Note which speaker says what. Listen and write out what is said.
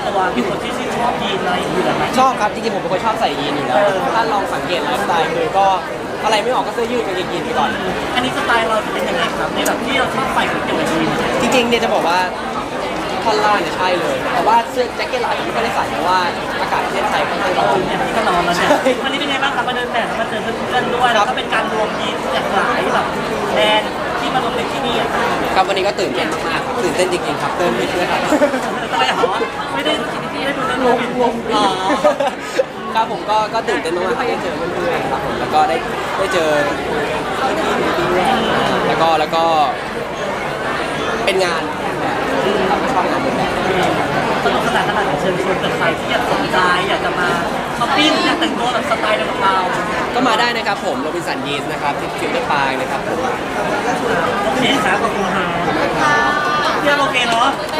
Speaker 1: ตัวมีคนที่ชื่นชอบยีนอะไรอยู่แล้วไหม
Speaker 2: ชอบครับจริงๆผมเป็นคนชอบใส่ยีนอยู่แล้วถ้าลองสังเกตไลฟ์สไตล์คือก็อะไรไม่ออกก็เสื้อยืดกางเกงยีนไปก่อน
Speaker 1: อันนี้สไตล์เราจะเป็นยังไงครับในแบบที่เราชอบใส่เกี่ยวกับยีน
Speaker 2: จริงๆเนี่ยจะบอกว่าท่อนล่างเนี่ยใช่เลยแต่ว่าเสื้อแจ็คเก็ตลายไม่ได้ใส่เพราะว่าอากาศประเทศไทยค่อนข้างร้อน
Speaker 1: เนี่ยนี่ก็นอนแล้วเนี่ยวันนี้เป็นไงบ้างครับมาเดินแบบแล้วมาเจอเพื่อนๆด้วยแล้วก็เป็นการรวมยีนจากหลายแบบแบรนด์ที่มารวมในที่นี่อ่ะ
Speaker 2: ครับวันนี้ก็ตื่นเต้นมากๆครับตื่นเต้นจริงๆครับเต้นไม่เชื่อครับ
Speaker 1: ทำไมเหรอไม่ได้ที่ได้ดูเรื่องรวมอ๋อ
Speaker 2: ครับผมก็ตื่นเต้นมากๆที่ได้เจอเพื่อนๆครับผมแล้วก็ได้เจอพี่ๆแล้วก็เป็นงานแบบครับก็ชอบงานเป็นแบบ
Speaker 1: สนุกสนานขนาดไหนเชิญชวนใครที่อยากสนใจอยากจะมาช้อปปิ้งอยากแต่งตัวแบบสไตล์เดียวกับเรา
Speaker 2: ก็มาได้นะครับผมโรบินสันยีนนะครับที่ฟิวเจอร์ปาร์คนะครับผม
Speaker 1: โอเคครับขอบคุณครับพี่โอเคเนาะ